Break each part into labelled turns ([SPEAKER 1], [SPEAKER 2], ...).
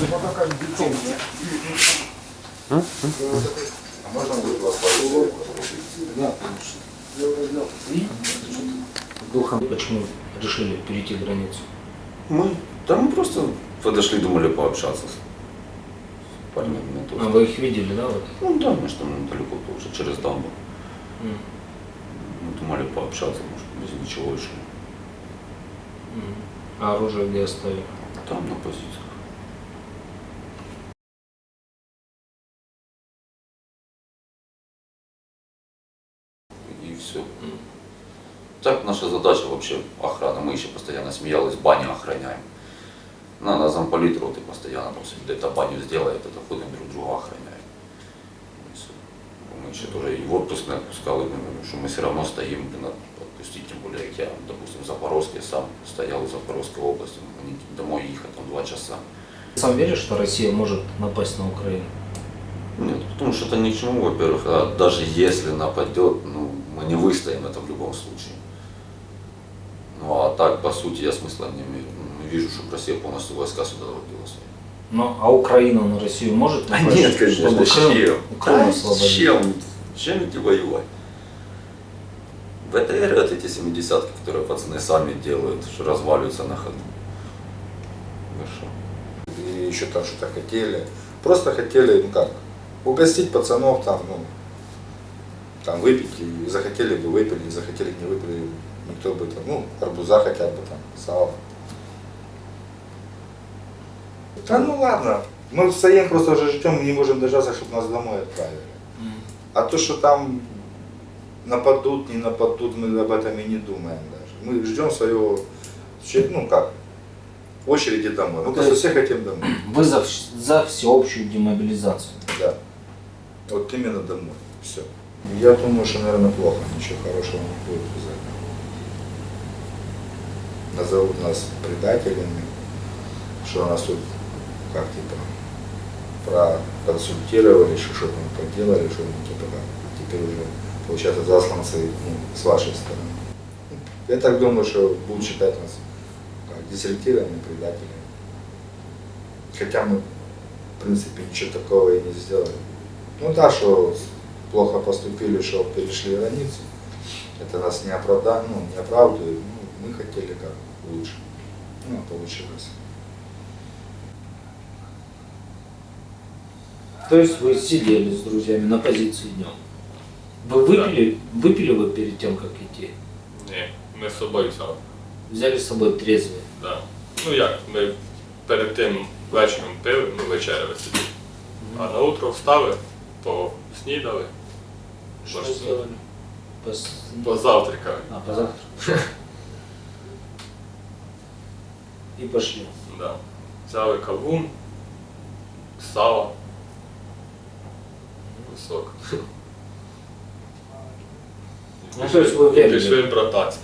[SPEAKER 1] А можно будет вас пару? Да,
[SPEAKER 2] Духом почему решили перейти границу?
[SPEAKER 1] мы просто подошли, думали пообщаться с парнями.
[SPEAKER 2] А вы их видели, да? Вот?
[SPEAKER 1] Ну да, мы же там недалеко тоже, через дамбу. Мы думали пообщаться, может, без ничего еще.
[SPEAKER 2] А оружие где оставили?
[SPEAKER 1] Там на позициях. И все. Так наша задача вообще охрана. Мы еще постоянно смеялись, баню охраняем. На замполит роты постоянно там где-то баню сделает, это ходим друг друга охраняем. И всё. Мы еще тоже и в отпуск не отпускали, что мы все равно стоим, отпустить, тем более, как я, допустим, в Запорожске сам стоял в Запорожской области, мне домой ехать там 2 часа.
[SPEAKER 2] Сам веришь, что Россия может напасть на Украину?
[SPEAKER 1] Нет, потому что это ни к чему, во-первых, а даже если нападет, ну, мы не выстоим это в любом случае. Ну а так, по сути, я смысла не вижу, чтобы Россия полностью войска сюда вводила свои.
[SPEAKER 2] Ну, а Украина на Россию может напасть?
[SPEAKER 1] Нет, конечно,
[SPEAKER 2] чтобы
[SPEAKER 1] чем?
[SPEAKER 2] Крым освободить?
[SPEAKER 1] Чем идти воевать? БТР, вот эти 70-ки, которые пацаны сами делают, что разваливаются на ходу. Ну что?
[SPEAKER 3] И еще там что-то хотели. Просто хотели, ну как, угостить пацанов там, ну, там выпить, и захотели бы выпили, не захотели не выпили, никто бы там, ну, арбуза хотя бы там, сало. Да ну ладно, мы стоим, просто уже ждем, мы не можем дождаться, чтобы нас домой отправили. А то, что там нападут, не нападут, мы об этом и не думаем даже. Мы ждем своего, ну как, очереди домой. Мы просто все хотим домой.
[SPEAKER 2] Вы за всеобщую демобилизацию?
[SPEAKER 3] Да. Вот именно домой. Все. Я думаю, что, наверное, плохо. Ничего хорошего не будет из этого. Назовут нас предателями, что нас тут, как типа, проконсультировали, что там поделали, что типа, теперь уже, получается, засланцы, ну, с вашей стороны. Я так думаю, что будут считать нас как дезертирами, предателями. Хотя мы, в принципе, ничего такого и не сделали. Ну да, что плохо поступили, что перешли границу. Это нас не оправдает, ну, не оправдывает. Ну, мы хотели как лучше. Ну, а получилось.
[SPEAKER 2] То есть вы сидели с друзьями на позиции днем? Вы выпили вы перед тем, как идти?
[SPEAKER 4] Ні, ми з собою взяли.
[SPEAKER 2] Взяли с собой трезвые?
[SPEAKER 4] Да. Ну як, ми перед тим вечором пили, ну вечеряли собі. А на утро встали, поснідали,
[SPEAKER 2] Что сделали?
[SPEAKER 4] позавтракали.
[SPEAKER 2] А, позавтракали. И пошли.
[SPEAKER 4] Да. Взяли кавун, сало, сок.
[SPEAKER 2] Ну, то есть вы время.
[SPEAKER 4] Пішли брататися.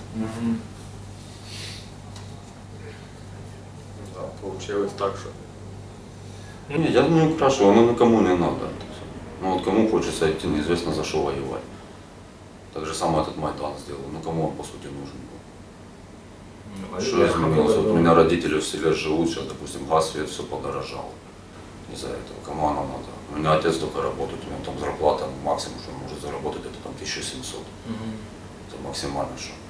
[SPEAKER 4] Да, получилось так, що.
[SPEAKER 1] Нет, я не украшиваю, оно никому не надо. Ну вот кому хочется идти, неизвестно за что воевать. Так же самое этот Майдан сделал. Ну кому он по сути нужен был? Что изменилось? Вот у меня родители в селе живут, сейчас, допустим, газ, свет, все подорожало. Из-за этого. Кому оно надо? У меня отец только работает, у него там зарплата, максимум, что он может заработать, это там 1700. Это максимально что.